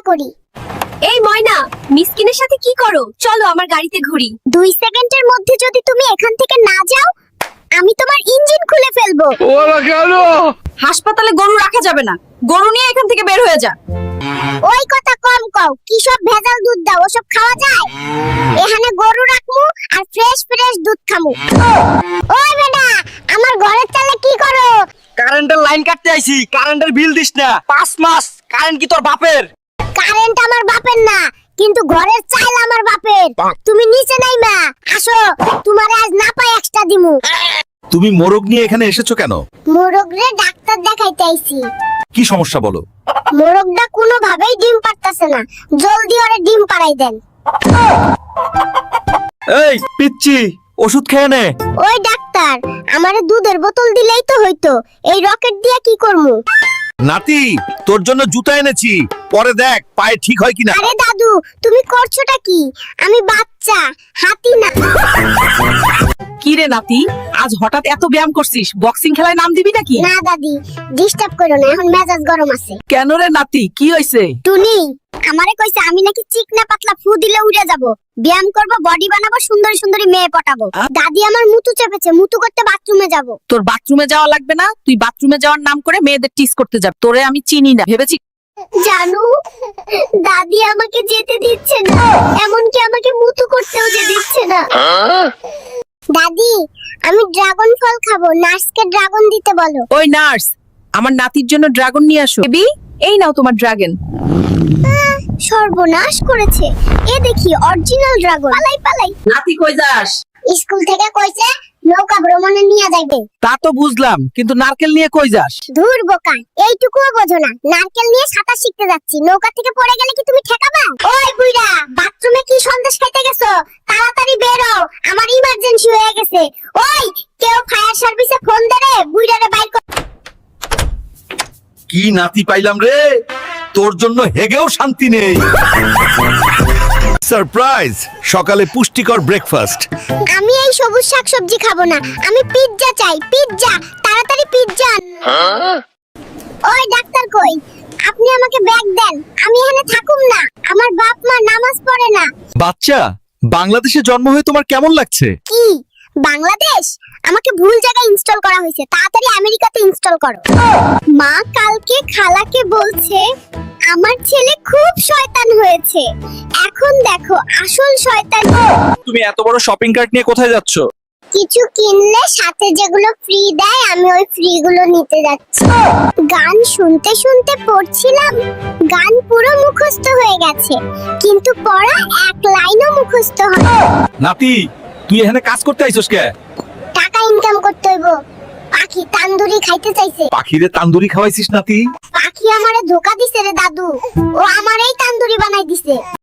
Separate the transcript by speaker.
Speaker 1: করি।
Speaker 2: এই ময়না, মিসকিনের সাথে কি করো? চলো আমার গাড়িতে ঘুরি।
Speaker 1: 2 সেকেন্ডের মধ্যে যদি তুমি এখান থেকে না যাও, আমি তোমার ইঞ্জিন খুলে ফেলবো।
Speaker 3: ওরা কেন?
Speaker 2: হাসপাতালে গরু রাখা যাবে না, গরু নিয়ে এখান থেকে বের হয়ে যা।
Speaker 1: ওই কথা কম কও, কি সব ভেজাল দুধ দাও, ওসব খাওয়া যায়? এখানে গরু রাখমু আর ফ্রেশ ফ্রেশ দুধ খামু। ওই বেটা, আমার ঘরের চালে কি করো?
Speaker 3: কারেন্টের লাইন কাটতে আইছি, কারেন্টের বিল দিস না। 5 মাস কারেন্ট কি তোর বাপের?
Speaker 1: কারেন্ট আমার বাপের না, কিন্তু ঘরের চাল আমার বাপের। তুমি নিচে নাইমা আসো, তোমারে আজ না পাই এক্সট্রা দিমু।
Speaker 4: তুমি মোরগ নিয়ে এখানে এসেছো কেন?
Speaker 1: মোরগরে ডাক্তার দেখাইতে আইছি।
Speaker 4: কি সমস্যা বলো?
Speaker 1: মোরগটা কোনোভাবেই ডিম পারতাছে না, জলদি ওরে ডিম পাড়াই দেন।
Speaker 4: এই পিচ্চি, ওষুধ খেয়ে নে।
Speaker 1: ওই ডাক্তার, আমারে দুধের বোতল দিলেই তো হইতো, এই রকেট দিয়া কি করমু?
Speaker 4: নাতি, তোর জন্য জুতা এনেছি, পরে দেখ পায়ে ঠিক হয় কিনা।
Speaker 1: আরে দাদু, তুমি করছোটা কি? আমি বাচ্চা, হাতি না।
Speaker 2: কি রে নাতি, আজ হঠাৎ এত ব্যায়াম করছিস? বক্সিং খেলায় নাম দিবি নাকি?
Speaker 1: না দাদি, ডিস্টার্ব করো না, এখন মেজাজ গরম আছে।
Speaker 2: কেন রে নাতি, কি হইছে?
Speaker 1: টুনি আমারে কইছে আমি নাকি চিকনা পাতলা ফু দিলে উড়ে যাব, ব্যায়াম করব, বডি বানাবো, সুন্দরী সুন্দরী মেয়ে পটাবো। দাদি আমার মুতু চেপেছে, মুতু করতে বাথরুমে যাব।
Speaker 2: তোর বাথরুমে যাওয়া লাগবে না, তুই বাথরুমে যাওয়ার নাম করে মেয়েদের টিস করতে যাবি। তোরে আমি চিনি না, ভেবেছি?
Speaker 1: জানু, দাদি আমাকে যেতে দিচ্ছে না, এমনকি আমাকে মুতু করতেও যে দিচ্ছে না। দাদি, আমি ড্রাগন ফল খাবো, নার্সকে ড্রাগন দিতে বলো।
Speaker 2: ওই নার্স, আমার নাতির জন্য ড্রাগন নিয়ে আসো। বেবি, এই নাও তোমার ড্রাগন।
Speaker 1: সর্বনাশ করেছে, এ দেখি অরিজিনাল ড্রাগন। পালাই পালাই।
Speaker 2: নাতি কই যাস?
Speaker 1: স্কুল থেকে কইছে নৌকা ভ্রমণে নিয়ে যাইবে।
Speaker 2: তা তো বুঝলাম, কিন্তু নারকেল নিয়ে কই যাস?
Speaker 1: ধুর বোকা, এইটুকুও বোঝো না? নারকেল নিয়ে সাঁতার শিখতে যাচ্ছি, নৌকা থেকে পড়ে গেলে কি তুমি ঠেকাবা? ওই বুইড়া, বাথরুমে কি সন্দেশ খাইতে গেছো? তাড়াতাড়ি বের হও, আমার ইমার্জেন্সি হয়ে গেছে। ওই, কেউ ফায়ার সার্ভিসে ফোন দে রে, বুইড়ারে বাইর কর।
Speaker 4: কি নাতি পাইলাম রে, তোর জন্য হেগেও শান্তি নেই। সারপ্রাইজ, সকালে পুষ্টিকর ব্রেকফাস্ট।
Speaker 1: আমি এই সবুজ শাকসবজি খাবো না, আমি পিৎজা চাই, পিৎজা, তাড়াতাড়ি পিৎজা। ওই ডাক্তার কই? আপনি আমাকে ব্যাগ দেন, আমি এখানে থাকুম না, আমার বাপ মা নামাজ পড়ে না।
Speaker 4: বাচ্চা, বাংলাদেশে জন্ম হয়ে তোমার কেমন লাগছে?
Speaker 1: কি বাংলাদেশ? আমাকে ভুল জায়গায় ইনস্টল করা হয়েছে, তাড়াতাড়ি আমেরিকাতে ইনস্টল করো। মা কালকে খালাকে বলছে আমার ছেলে খুব শয়তান হয়েছে, এখন দেখো আসল শয়তান।
Speaker 3: তুমি এত বড় শপিং কার্ট নিয়ে কোথায় যাচ্ছ?
Speaker 1: কিছু কিনলে সাথে যেগুলো ফ্রি দেয়, আমি ওই ফ্রি গুলো নিতে যাচ্ছি। গান শুনতে শুনতে পড়ছিলাম, গান পুরো মুখস্থ হয়ে গেছে, কিন্তু পড়া এক লাইনও মুখস্থ হয়।
Speaker 4: নাতি, তুই এখানে কাজ করতে আইছস কে?
Speaker 1: টাকা ইনকাম করতে হইব। পাখি তান্দুরি খাইতে চাইছে।
Speaker 4: পাখিরে তান্দুরি খাওয়াইছিস নাতি?
Speaker 1: পাখি আমারে ধোকা দিছে রে দাদু, ও আমারই তান্দুরি বানাই দিছে।